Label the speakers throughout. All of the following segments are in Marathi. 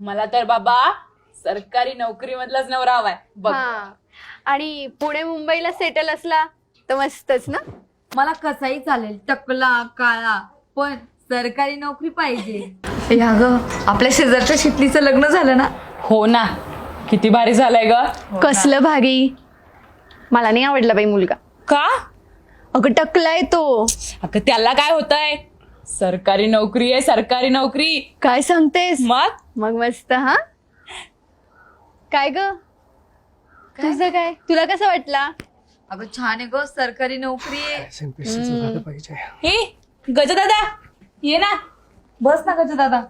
Speaker 1: मला तर बाबा सरकारी नोकरी मधलाच नवरा हवाय बघ.
Speaker 2: हा आणि पुणे मुंबईला सेटल असला तर मस्तच ना.
Speaker 3: मला कसाही चालेल, टकला काळा, पण सरकारी नोकरी पाहिजे. या ग, आपल्या शेजारच्या शितलीचं लग्न झालं ना.
Speaker 1: हो ना, किती भारी झालंय ग.
Speaker 2: कसलं भारी. मला नाही आवडला बाई मुलगा.
Speaker 1: का?
Speaker 2: अगं टकलाय तो.
Speaker 1: अगं त्याला काय होतंय, सरकारी नोकरी आहे सरकारी नोकरी.
Speaker 2: काय सांगतेस?
Speaker 1: मग
Speaker 2: मस्त. हा काय ग, तुझं काय, तुला कसं वाटला?
Speaker 3: अगं छान आहे ग, सरकारी नोकरी आहे.
Speaker 1: हे गज दादा ये ना.
Speaker 3: बस ना गज दादा.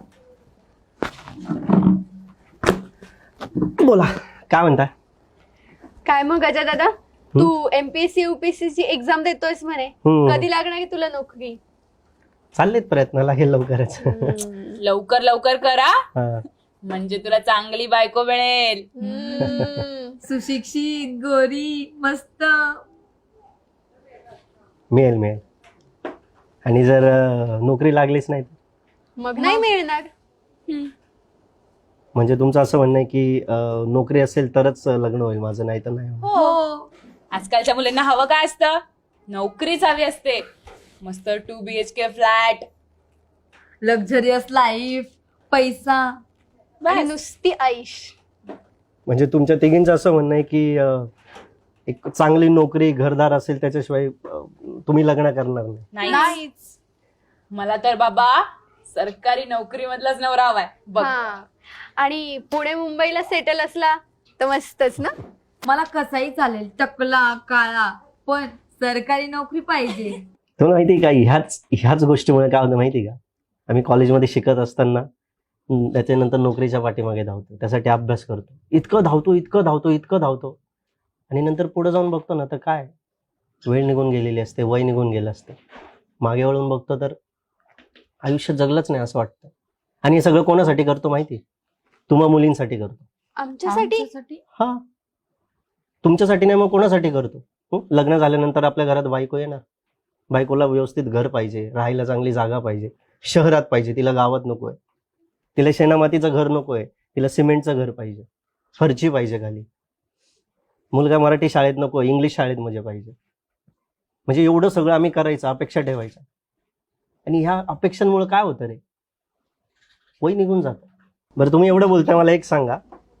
Speaker 4: बोला, काय म्हणता?
Speaker 2: काय मग गजा दादा, तू एमपीएससी युपीएससी ची एक्झाम देतोयस म्हणे. कधी लागणार की तुला नोकरी?
Speaker 4: चाललेत प्रयत्न, लागेल लवकरच.
Speaker 1: लवकर लवकर करा,
Speaker 4: हा.
Speaker 1: म्हणजे तुला चांगली बायको मिळेल.
Speaker 3: सुशिक्षित, गोरी, मस्त.
Speaker 4: मिळेल मिळेल. आणि जर नोकरी लागलीच नाही तर?
Speaker 2: मग नाही मिळणार.
Speaker 4: म्हणजे तुमचं असं म्हणणं आहे की नोकरी असेल तरच लग्न होईल माझं, नाही तर नाही होणार.
Speaker 1: हो, आजकालच्या मुलींना हवं काय असतं, नोकरीच हवी असते. मस्त 2 BHK फ्लॅट,
Speaker 3: लक्झरियस लाईफ, पैसा.
Speaker 2: आणि नुसती आईश.
Speaker 4: म्हणजे तुमच्या तिघींचं असं म्हणणं आहे की एक चांगली नोकरी, घरदार असेल त्याच्याशिवाय तुम्ही लग्न करणार नाही.
Speaker 1: नाहीच. मला तर बाबा सरकारी नोकरी मधलाच नवरा हवाय बघ.
Speaker 2: हा आणि पुणे मुंबईला सेटल असला तर मस्तच ना.
Speaker 3: मला कसाही चालेल, टकला काळा, पण सरकारी नोकरी पाहिजे.
Speaker 4: तुम्हाला माहिती आहे का, ह्याच गोष्टीमुळे काय होतं माहिती आहे का, आम्ही कॉलेजमध्ये शिकत असताना त्याच्यानंतर नोकरीच्या पाठीमागे धावतो, त्यासाठी अभ्यास करतो, इतकं धावतो आणि नंतर पुढे जाऊन बघतो ना तर काय, वेळ निघून गेलेली असते, वय निघून गेलं असते. मागे वळून बघतो तर आयुष्य जगलंच नाही असं वाटतं. आणि हे सगळं कोणासाठी करतो माहिती? तुम्हा मुलींसाठी करतो.
Speaker 2: आमच्यासाठी.
Speaker 4: हा, तुमच्यासाठी नाही मग कोणासाठी करतो? लग्न झाल्यानंतर आपल्या घरात बायको येणार, बायकोला व्यवस्थित घर पाहिजे, राहायला चांगली जागा पाहिजे, शहरात पाहिजे, तिला गावात नकोय. तिला शेणामातीचं घर नकोय, तिला सिमेंटचं घर पाहिजे, फरची पाहिजे खाली. मुलगा मराठी शाळेत नको, इंग्लिश शाळेत म्हणजे पाहिजे. म्हणजे एवढं सगळं आम्ही करायचं, अपेक्षा ठेवायच्या. आणि ह्या अपेक्षांमुळे काय होतं रे, वय निघून जातं. बरं, तुम्ही एवढं बोलताय, मला एक सांगा,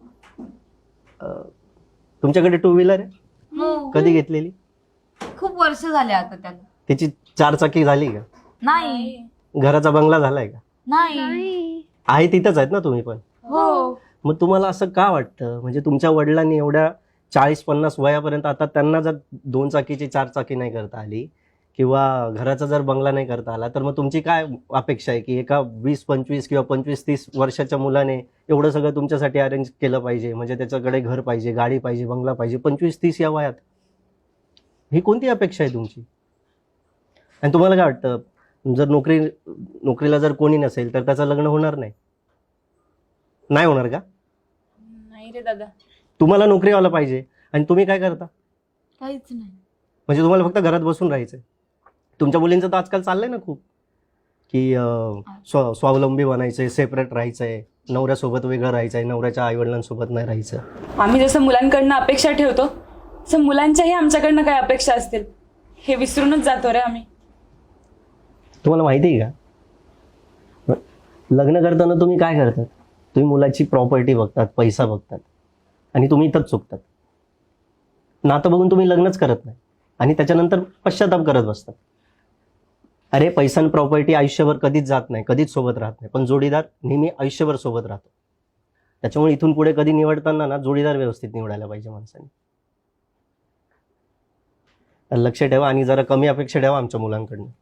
Speaker 4: तुमच्याकडे 2 व्हीलर आहे?
Speaker 3: हो,
Speaker 4: कधी घेतलेली?
Speaker 3: खूप वर्ष झाले आता त्याला.
Speaker 4: त्याची 4 चाकी झाली का?
Speaker 3: नाही.
Speaker 4: घराचा बंगला झालाय का?
Speaker 3: नाही.
Speaker 4: आहे तिथंच आहेत ना तुम्ही पण?
Speaker 3: हो.
Speaker 4: मग तुम्हाला असं का वाटतं, म्हणजे तुमच्या वडिलांनी एवढ्या 40-50 वयापर्यंत आता त्यांना जर 2 चाकीची 4 चाकी नाही करता आली किंवा घराचा जर बंगला नाही करता आला, तर मग तुमची काय अपेक्षा आहे की एका 20-25 किंवा 25-30 वर्षाच्या मुलाने एवढं सगळं तुमच्यासाठी अरेंज केलं पाहिजे, म्हणजे त्याच्याकडे घर पाहिजे, गाडी पाहिजे, बंगला पाहिजे 25-30 या वयात? ही कोणती अपेक्षा आहे तुमची? आणि तुम्हाला काय वाटतं, जर नोकरीला जर कोणी नसेल तर त्याचं लग्न होणार नाही होणार का?
Speaker 1: नाही रे दादा.
Speaker 4: तुम्हाला नोकरीवाला पाहिजे आणि तुम्ही काय करता?
Speaker 3: काहीच नाही.
Speaker 4: म्हणजे तुम्हाला फक्त घरात बसून राहायचंय. तुमच्या मुलींचं तर आजकाल चाललंय ना खूप की स्वावलंबी बनायचंय, सेपरेट राहायचंय, नवऱ्यासोबत वेगळं राहायचंय, नवऱ्याच्या आईवडिलांसोबत नाही राहायचं.
Speaker 1: आम्ही जसं मुलांकडनं अपेक्षा ठेवतो तसं मुलांच्याही आमच्याकडनं काय अपेक्षा असतील हे विसरूनच जातो रे आम्ही.
Speaker 4: तुम्हाला माहिती आहे का, लग्न करताना तुम्ही काय करतात? तुम्ही मुलाची प्रॉपर्टी बघतात, पैसा बघतात आणि तुम्ही इथंच चुकतात. नातं बघून तुम्ही लग्नच करत नाही आणि त्याच्यानंतर पश्चाताप करत बसतात. अरे, पैसा आणि प्रॉपर्टी आयुष्यभर कधीच जात नाही, कधीच सोबत राहत नाही, पण जोडीदार नेहमी आयुष्यभर सोबत राहतो. त्याच्यामुळे इथून पुढे कधी निवडताना ना जोडीदार व्यवस्थित निवडायला पाहिजे माणसाने. लक्ष ठेवा आणि जरा कमी अपेक्षा ठेवा आमच्या मुलांकडनं.